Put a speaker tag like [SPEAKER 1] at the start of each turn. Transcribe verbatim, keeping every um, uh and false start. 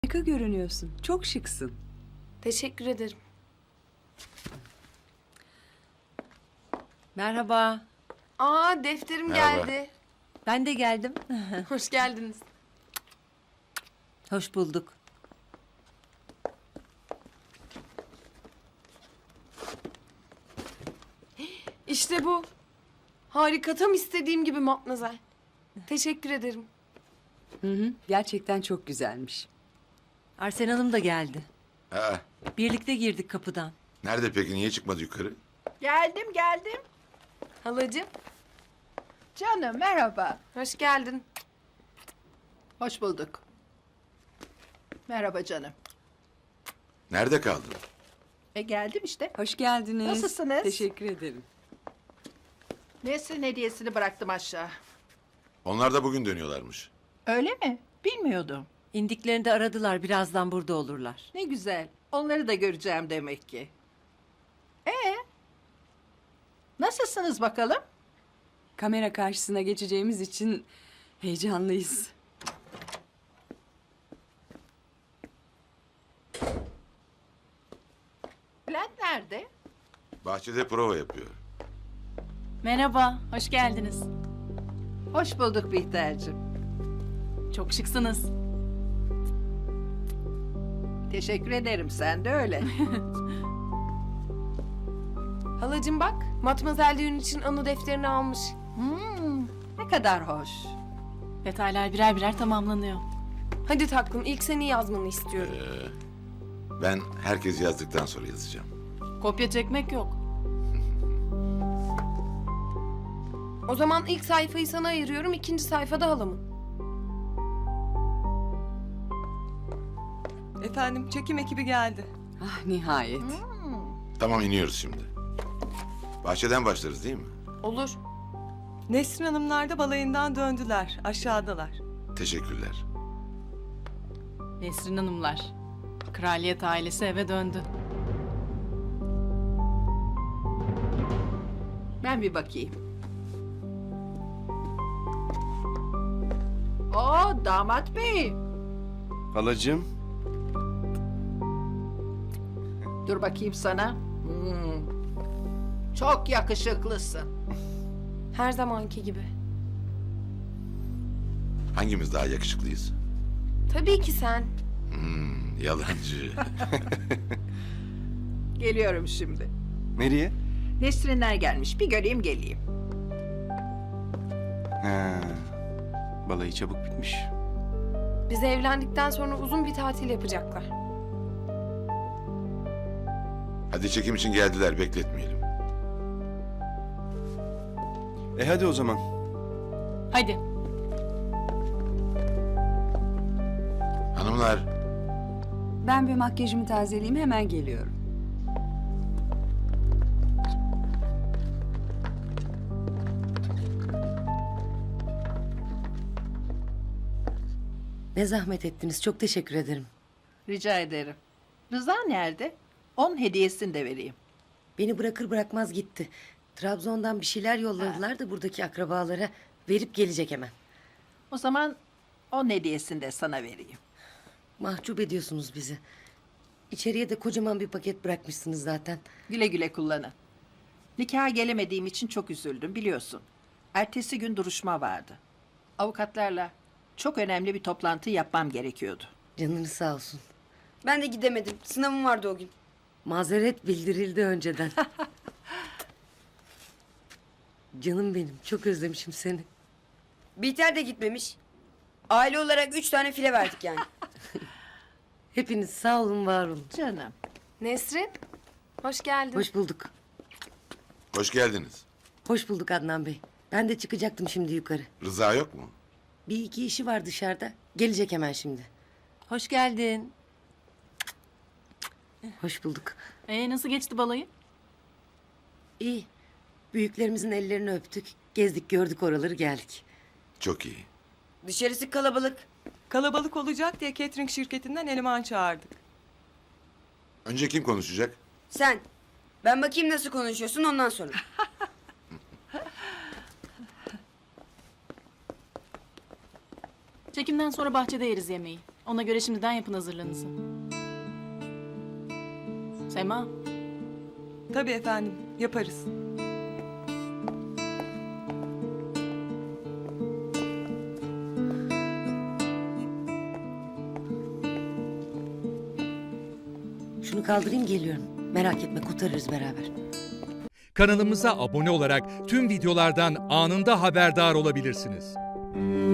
[SPEAKER 1] Harika görünüyorsun. Çok şıksın.
[SPEAKER 2] Teşekkür ederim.
[SPEAKER 3] Merhaba.
[SPEAKER 2] Aa, defterim
[SPEAKER 4] Merhaba.
[SPEAKER 2] geldi.
[SPEAKER 3] Ben de geldim.
[SPEAKER 2] Hoş geldiniz.
[SPEAKER 3] Hoş bulduk.
[SPEAKER 2] İşte bu. Harika, tam istediğim gibi Matmazel. Teşekkür ederim.
[SPEAKER 1] Hı hı. Gerçekten çok güzelmiş.
[SPEAKER 3] Arsen Hanım da geldi.
[SPEAKER 4] Ha,
[SPEAKER 3] Birlikte girdik kapıdan.
[SPEAKER 4] nerede peki? Niye çıkmadı yukarı?
[SPEAKER 5] Geldim geldim.
[SPEAKER 2] Halacığım,
[SPEAKER 5] Canım merhaba.
[SPEAKER 2] hoş geldin.
[SPEAKER 5] Hoş bulduk. Merhaba canım.
[SPEAKER 4] Nerede kaldın?
[SPEAKER 5] E geldim işte.
[SPEAKER 1] Hoş geldiniz.
[SPEAKER 5] Nasılsınız?
[SPEAKER 1] Teşekkür ederim.
[SPEAKER 5] Nesrin hediyesini bıraktım aşağı.
[SPEAKER 4] Onlar da bugün dönüyorlarmış.
[SPEAKER 5] Öyle mi? Bilmiyordum.
[SPEAKER 3] İndiklerinde aradılar. Birazdan burada olurlar.
[SPEAKER 5] Ne güzel. Onları da göreceğim demek ki. Ee? Nasılsınız bakalım?
[SPEAKER 1] Kamera karşısına geçeceğimiz için heyecanlıyız.
[SPEAKER 5] Bülent nerede?
[SPEAKER 4] Bahçede prova yapıyor.
[SPEAKER 6] Merhaba, hoş geldiniz.
[SPEAKER 5] Hoş bulduk Bihter'cim.
[SPEAKER 6] Çok şıksınız.
[SPEAKER 5] Teşekkür ederim. Sen de öyle.
[SPEAKER 2] Halacığım bak, Matmazel düğün için anı defterini almış.
[SPEAKER 5] Hmm, ne kadar hoş.
[SPEAKER 6] Detaylar birer birer tamamlanıyor.
[SPEAKER 2] Hadi taklım, ilk seni yazmanı istiyorum.
[SPEAKER 4] Ben herkes yazdıktan sonra yazacağım.
[SPEAKER 6] Kopya çekmek yok.
[SPEAKER 2] O zaman ilk sayfayı sana ayırıyorum, ikinci sayfada halamın.
[SPEAKER 7] Efendim çekim ekibi geldi.
[SPEAKER 1] Ah nihayet.
[SPEAKER 4] Tamam, iniyoruz şimdi. Bahçeden başlarız değil mi?
[SPEAKER 2] Olur.
[SPEAKER 7] Nesrin Hanımlar da balayından döndüler. Aşağıdalar.
[SPEAKER 4] Teşekkürler.
[SPEAKER 6] Nesrin Hanımlar. Kraliyet ailesi eve döndü.
[SPEAKER 5] Ben bir bakayım. Oo damat bey.
[SPEAKER 8] Halacığım,
[SPEAKER 5] Dur bakayım sana. Hmm. Çok yakışıklısın.
[SPEAKER 2] Her zamanki gibi.
[SPEAKER 4] Hangimiz daha yakışıklıyız?
[SPEAKER 2] Tabii ki sen.
[SPEAKER 4] Hmm, yalancı.
[SPEAKER 5] Geliyorum şimdi.
[SPEAKER 8] nereye?
[SPEAKER 5] Nesrinler gelmiş. Bir göreyim geleyim.
[SPEAKER 8] Ha, balayı çabuk bitmiş.
[SPEAKER 2] Biz evlendikten sonra uzun bir tatil yapacaklar.
[SPEAKER 4] Hadi çekim için geldiler, bekletmeyelim.
[SPEAKER 8] E hadi o zaman.
[SPEAKER 6] Hadi.
[SPEAKER 4] Hanımlar,
[SPEAKER 1] Ben bir makyajımı tazeleyeyim, hemen geliyorum.
[SPEAKER 3] Ne zahmet ettiniz. Çok teşekkür ederim.
[SPEAKER 5] Rica ederim. Rıza nerede? Onun hediyesini de vereyim.
[SPEAKER 3] Beni bırakır bırakmaz gitti. Trabzon'dan bir şeyler yolladılar da buradaki akrabalara verip gelecek hemen.
[SPEAKER 5] O zaman onun hediyesini de sana vereyim.
[SPEAKER 3] Mahcup ediyorsunuz bizi. İçeriye de kocaman bir paket bırakmışsınız zaten.
[SPEAKER 5] Güle güle kullanın. Nikaha gelemediğim için çok üzüldüm biliyorsun. Ertesi gün duruşma vardı. Avukatlarla çok önemli bir toplantı yapmam gerekiyordu.
[SPEAKER 3] Canınız sağ olsun.
[SPEAKER 9] Ben de gidemedim. Sınavım vardı o gün.
[SPEAKER 3] Mazeret bildirildi önceden. Canım benim. Çok özlemişim seni.
[SPEAKER 9] Bihter de gitmemiş. Aile olarak üç tane file verdik yani.
[SPEAKER 3] Hepiniz sağ olun, var olun.
[SPEAKER 5] Canım.
[SPEAKER 2] Nesrin, hoş geldin.
[SPEAKER 3] Hoş bulduk.
[SPEAKER 4] hoş geldiniz.
[SPEAKER 3] Hoş bulduk Adnan Bey. Ben de çıkacaktım şimdi yukarı.
[SPEAKER 4] Rıza yok mu?
[SPEAKER 3] Bir iki işi var dışarıda. Gelecek hemen şimdi.
[SPEAKER 6] Hoş geldin.
[SPEAKER 3] Hoş bulduk.
[SPEAKER 6] Ee, nasıl geçti balayı?
[SPEAKER 3] İyi. Büyüklerimizin ellerini öptük. Gezdik, gördük oraları, geldik.
[SPEAKER 4] Çok iyi.
[SPEAKER 9] Dışarısı kalabalık.
[SPEAKER 7] Kalabalık olacak diye catering şirketinden eleman çağırdık.
[SPEAKER 4] Önce kim konuşacak?
[SPEAKER 9] Sen. Ben bakayım nasıl konuşuyorsun ondan sonra.
[SPEAKER 6] Çekimden sonra bahçede yeriz yemeği. Ona göre şimdiden yapın hazırlığınızı. Sema,
[SPEAKER 7] Tabii efendim, yaparız.
[SPEAKER 3] Şunu kaldırayım geliyorum. Merak etme kurtarırız beraber.
[SPEAKER 10] Kanalımıza abone olarak tüm videolardan anında haberdar olabilirsiniz.